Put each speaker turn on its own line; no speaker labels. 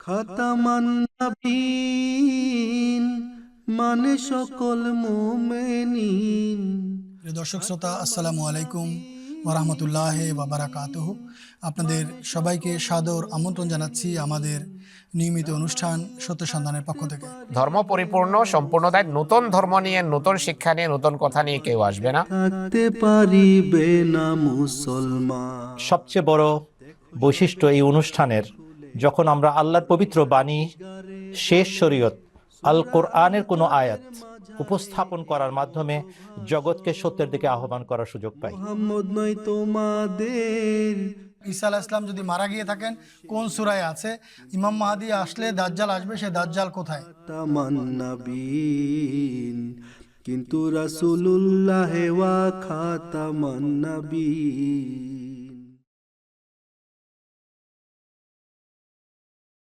খাতামান নবীন মানে সকল মুমিনিন।
প্রিয় দর্শক শ্রোতা, আসসালামু আলাইকুম ওয়া রাহমাতুল্লাহি ওয়া বারাকাতুহু। আপনাদের সবাইকে সাদর আমন্ত্রণ জানাচ্ছি আমাদের নিয়মিত অনুষ্ঠান সত্য সন্ধানের পক্ষ থেকে।
ধর্ম পরিপূর্ণ, সম্পূর্ণতায় নতুন ধর্ম নিয়ে, নতুন শিক্ষা নিয়ে, নতুন কথা নিয়ে কেউ আসবে না।
থাকতে পারিবে না মুসলমান।
সবচেয়ে বড় বৈশিষ্ট্য এই অনুষ্ঠানের, যখন আমরা আল্লাহর পবিত্র বাণী, শেষ শরীয়ত আল কোরআনের কোনো আয়াত উপস্থাপন করার মাধ্যমে জগৎকে সত্যের দিকে আহ্বান করার সুযোগ পাই।
মুহাম্মদ নয় তোমাদের।
ঈসা আলাইহিস সালাম যদি মারা গিয়ে থাকেন কোন সূরায় আছে? ইমাম মাহদী আসলে দাজ্জাল আসবে, সে দাজ্জাল কোথায়?
খাতামান নবীন কিন্তু রাসূলুল্লাহ ওয়া খাতামান নবীন।